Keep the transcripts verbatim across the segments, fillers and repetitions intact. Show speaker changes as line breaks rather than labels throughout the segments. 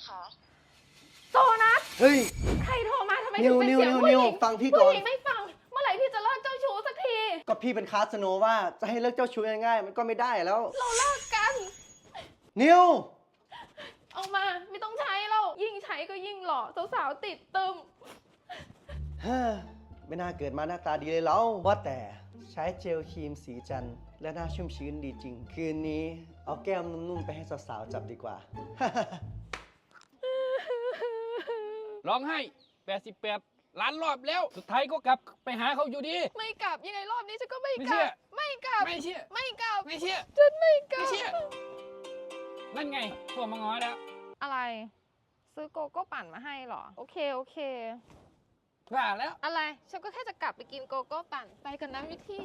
คะ
โจนัส
เฮ้ย
ใครโทรมาทำไม
นิ
ถึ
ว
งเป็น
นิว
เสียง
นิว
ผู้หญิ
นิว
ง
ฟังพี่ก่อน
ผู้หญิงไม่ฟังเมื่อไหร่พี่จะเลิกเจ้าชู้สักที
ก็พี่เป็นคาสโนว่าจะให้เลิกเจ้าชู้ง่ายๆมันก็ไม่ได้แล้ว
เราเลิกกัน
นิว
เอามาไม่ต้องใช้แล้วยิ่งใช้ก็ยิ่งหล่อสาวๆติดตึม
เฮ้อไม่น่าเกิดมาหน้าตาดีเลยแล้วว่าแต่ใช้เจลครีมสีจันทร์และหน้าชุ่มชื้นดีจริง คืนนี้เอาแก้มนุ่มๆไปให้สาวๆจับดีกว่า
ร้องไห้แปดสิบแปดล้านรอบแล้ว สุดท้ายก็กลับไปหาเขาอยู่ดี
ไม่กลับยังไงรอบนี้ฉันก็ไม่
ไม่
ก
เชื่
ลั
อ
บไม่กลับ
ไม่เชื่อ
ไม่กลับ
ไม่เชื่อ
ฉันไม่กลั
ไม่
บ
เชื่อ นั่นไงโทรมาง้อแล้ว
อะไร ซื้อโกโก้ปั่นมาให้เหรอโอเคโอเค
ว่าแล้ว
อะไรฉันก็แค่จะกลับไปกินโกโก้ปั่นไปกันนะวิธี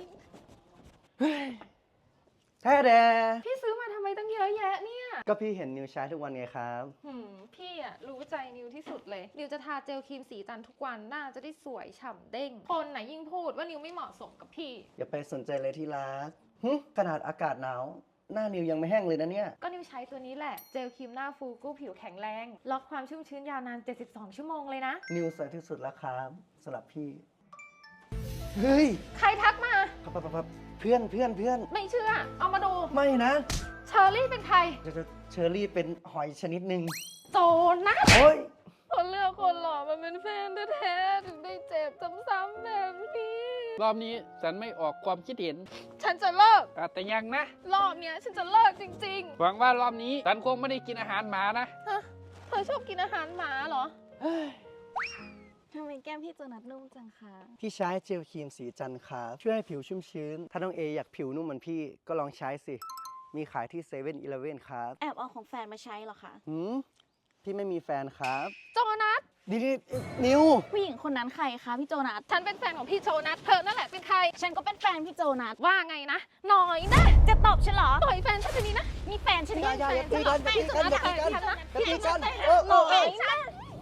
แท้แด
พี่ซื้อมาทำไมตั้งเยอะแยะเนี่ย
ก็พี่เห็นนิวใช้ทุกวันไงครับ
หืมพี่อะรู้ใจนิวที่สุดเลย นิวจะทาเจลครีมสีจันทร์ทุกวันหน้าจะได้สวยฉ่ำเด้ง คนไหนะยิ่งพูดว่านิวไม่เหมาะสมกับพี่
อย่าไปสนใจเลยที่รักหึขนาดอากาศหนาว หน้านิวยังไม่แห้งเลยนะเนี่ย
ก็นิวใช้ตัวนี้แหละ เจลครีมหน้าฟูกู้ผิวแข็งแรง ล็อกความชุ่มชื้นยาวนาน เจ็ดสิบสอง ชั่วโมงเลยนะ
นิวสวยที่สุดแล้วครับสำหรับพี่ เฮ้ย
ใครทักมา
ปั๊บปั๊บปั๊บเพื่อนเพื่อนเพื่อน
ไม่เชื่อ เอามาดู
ไม่นะ
เชอร์รี่เป็นใคร
เดี๋ยวเชอรี่เป็นหอยชนิดหนึ่ง
โจนัส
โอ้ย
คนเลือกคนหล่อมันเป็นแฟนแท้ๆถึงได้เจ็บซ้ำๆแบบนี้
รอบนี้ฉันไม่ออกความคิดเห็น
ฉันจะเลิก
อ่ะแต่ยังนะ
รอบเนี้ยฉันจะเลิกจริง
หวังว่ารอบนี้ฉันคงไม่ได้กินอาหารหมานะ
ๆ ฮะ เธอชอบกินอาหารหมาเหรอ
ทำไมแก้มพี่โจนัสนุ่มจังคะ
พี่ใช้เจลครีมสีจันทร์ครับช่วยให้ผิวชุ่มชื้น ถ้าน้องเออยากผิวนุ่มเหมือนพี่ก็ลองใช้สิ มีขายที่เซเว่นอีเลฟเว่นครับ
แอบเอาของแฟนมาใช้เหรอคะ
หืมพี่ไม่มีแฟนครับ
โจนัส
นี่นี่นิว
ผู้หญิงคนนั้นใครคะพี่โจนัส
ฉันเป็นแฟนของพี่โจนัส เธอนั่นแหละเป็นใคร
ฉันก็เป็นแฟนพี่โจนัส
ว่าไงนะ หน่อยนะ
จะตอบฉันเหรอ
ต่อยแฟนฉันจะนี้นะ
มีแฟนฉัน
อย่าอย่าอย่าตีกันอย่าตีกันอย่าตีกันอย่าตีกัน
แต่
เออเออเออ
นะ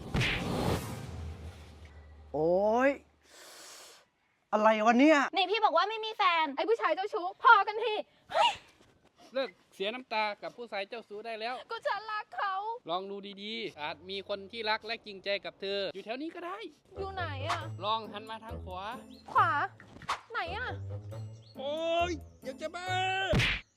โอ้ยอะไรวะเนี่ย
นี่พี่บอกว่าไม่มีแฟน
ไอ้ผู้ชายเจ้าชู้พอกันที
เลิกเสียน้ำตากับผู้ชายเจ้าชู้ได้แล้ว
ก็ฉันรักเขา
ลองดูดีๆ อาจมีคนที่รักและจริงใจกับเธอ อยู่แถวนี้ก็ได้
อยู่ไหนอะ
ลองหันมาทางขวา
ขวา ไหนอะ
โอ้ยอยากจะบ้า